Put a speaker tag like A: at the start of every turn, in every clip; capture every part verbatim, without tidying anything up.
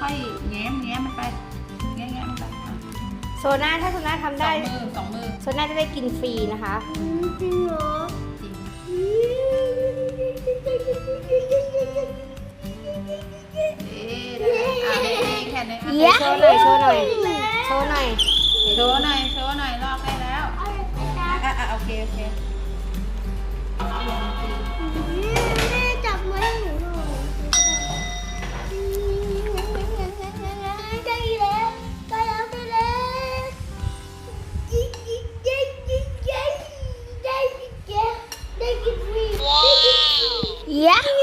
A: อยๆแง้มแง้มมันไปแง้มแง้มมันไป
B: โซน่าถ้าโซน่าทำได้
A: สองมือสองมือ
B: โซน่าจะได้กินฟรีนะคะ
C: จริงเหรอ
A: จริงเอ๊ะได้แค่นี้อ่ะ
B: โชว์หน่อยโชว์หน่อยโชว์หน่อย
A: โชว์หน่อยโชว์หน่อยลอกได้แล้วอ่ะอ่ะโอเคโอเค
C: จับมือหนูหน่อยได้แล้วได้แล้วได้แล้วยิ่งยิ่งยิ่งยิ่งยิ่งได้ยิ่งได้กินฟรีได้กินฟรียาฮู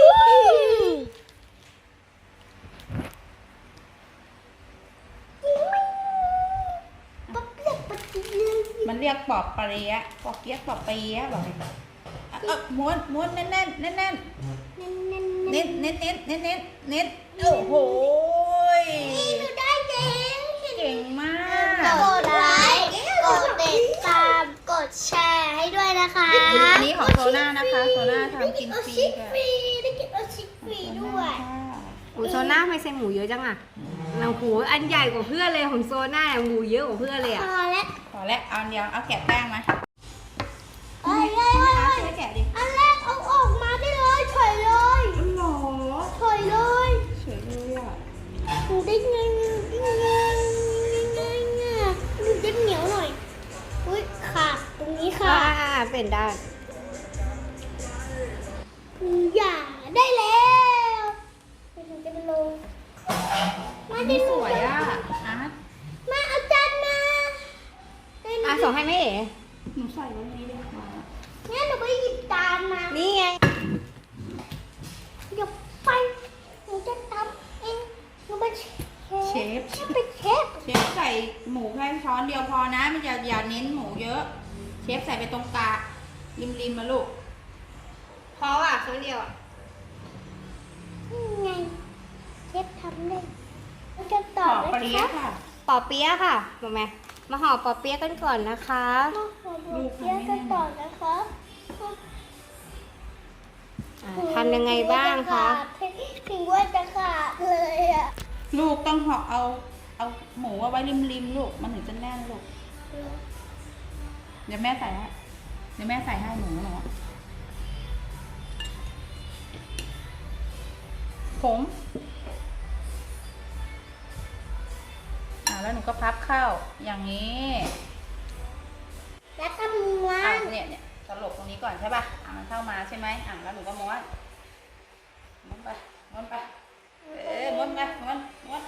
A: มันเรียกปอบเปี๊ยะปอบเปี๊ยะปอบเปี๊ยะบอกเลยเออม้วนม้วนแน่นแน่นแน่นแน่นเน้นเน้นเน้นเน้นเน้นเน้นโอ้โห
C: นี่หนูได้เก่ง
A: เก่งมาก
C: กดไลค์กดติดตามกดแชร์ให้ด้วยนะคะ
A: อันนี้ของโซน่านะคะโซน่าทำกินฟรีค่ะ
C: ได้กินโอชิฟรีด้วย
B: โอ้โซน่าไม่ใส่หมูเยอะจังอ่ะเราหูอันใหญ่กว่าเพื่อนเลยของโซน่าหมูเยอะกว่าเพื่อนเลยอ่ะ
C: พอแล้ว
A: พอแล้วเอาเดียวเอาแกะแป้งมา
C: เฮ้ยเฮ้ยเฮ้ย
A: ช่วยแกะดิ
C: อันแรกเอาออกมาได้เลยถอยเลย
A: หรอ
C: ถอยเลย
A: เฉยเลยอ่ะ
C: หนูได้ไงได้ไงได้ไงหนูจะเหนียวหน่อยอุ้ยขาดตรงนี้
B: อ่า
C: ค่ะ
B: เป็นได้
C: อย่าได้แล้วหนูจะไปลงมา
A: อัน
C: ดิ
A: นี้
C: ห
A: ส
C: นู
A: วยอ่ะอาร์ต
C: มาเอาจารย์มา
B: อ่ะส่งให้แม่เอ๋
A: หนูใส่ไว้ในนี้เลยค่ะ
C: งั้นหนูไปหยิบจานมา
B: นี่ไง
C: เดี๋ยวไปหนูจะทำเองหนูเป็นเชฟ
A: เชฟ
C: เป็นเชฟ
A: เชฟใส่หมูแค่ช้อนเดียวพอนะมันอย่าอย่าเน้นหมูเยอะ เชฟใส่ไปตรงกลางริมริมมาลูก
B: พออ่ะครั้งเดียวอ่ะ
C: นี่ไงเชฟทำได้เราจะต่อ
A: ปอ
C: เลย
A: เปี๊ยะค่ะ
B: ปอเปี๊ยะค่ะมาไหมมาห่อปอเปี๊ยะกันก่อนนะคะ
C: มาขอดูเปี๊ยะกันต่อนะคะ
B: อ่าทำยังไงบ้างคะ
C: ถึงว่าจะขาดเลยอ่ะ
A: ลูกต้องห่อเอาเอาหมูเอาไว้ริมริมลูกมันถึงจะแน่นลูกเดี๋ยวแม่ใส่ให้เดี๋ยวแม่ใส่ให้หมูหนูอะผมอ่าแล้วหนูก็พับเข้าอย่างนี้
C: แล้วก็ม้ว
A: อ่าน เนี่ยเนี่ยตลบตรงนี้ก่อนใช่ป่ะอ่ามันเข้ามาใช่ไหมอ่าแล้วหนูก็ม้วนม้วนไปม้วนไปเอ๊ะม้วนไปม้วนม้วน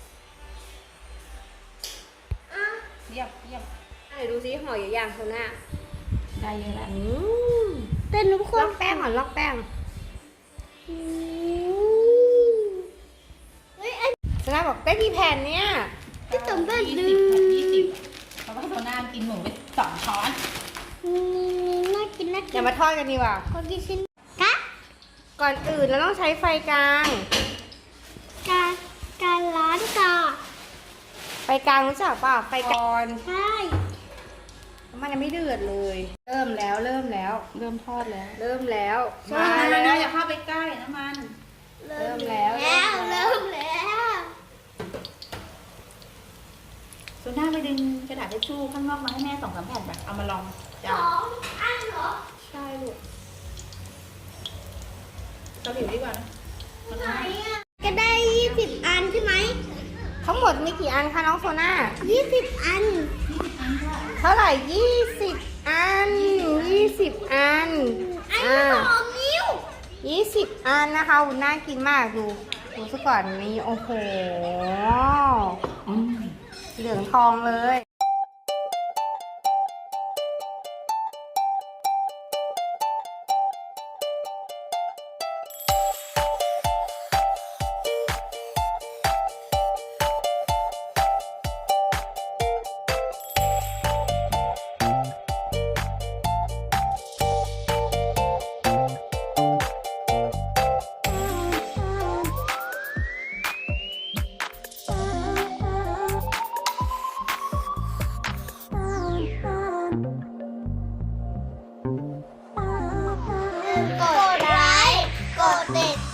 C: อ่ะ
A: เยี่ยมเยี่ยม
B: ไหนดูซิห่ออยู่อย่างโซน่า
A: ได้เยอะแล้ว
B: อืม
C: เป็นทุกค
B: ล
C: น
B: อกแป้งก่อนลอกแป้ง
C: อืมเฮ้ยไอ้
B: โซน่าบอกได้กี่แผ่นเนี่ย
C: ที่ต่ำแบบ
A: ยี่
C: ดึ
A: สิบ
C: ง
A: ยี่สิบเพราะว่าโซน่ากินหมูไปสองช้อน
C: น่ากินน่ากิ
B: อย่าน มาทอดกันดีกว่า
C: ขอกินชิ้นกะ
B: ก่อนอื่นเราต้องใช้ไฟกลาง
C: การการร้านก่อน
B: ไฟกลางรู้จักป่ะไฟก่อน
C: ใช่
B: มันยังไม่เดือดเลย เริ่มแล้วเริ่มแล้ว
A: เริ่มทอดแล้ว
B: เริ่มแล้ว
A: มา
B: มา
A: แล้
B: แล้ว ว
A: อย่าเข้าไปใกล้น้ำมัน
B: เริ่มแล้ว
C: แล้วเริ่มแล้ว
A: โซน่าไปดึงกระดาษทิชชู่ข้างนอกมาให้แม่สองสามแผ่นแบบเอามาลอง
C: ส
A: จ้า
C: องอันเหรอ
A: ใช่ลูกเราผิวดีกว่านะ
C: ไหนอ่ะก็ได้ยี่สิบอันใช่ไหม
B: ทั้งหมดมีกี่อันคะน้องโซน่า
C: ยี่สิบอัน
B: เท่าไหร่ยี่สิบอันยี่สิบอัน
C: อัน
B: อ่า
C: ละสองนิ้ว
B: ยี่สิบอันนะคะอุ่นน่ากินมากดูดูซะก่อนนี่โอ้โหเหลืองทองเลย
C: กดไลค์ กดติด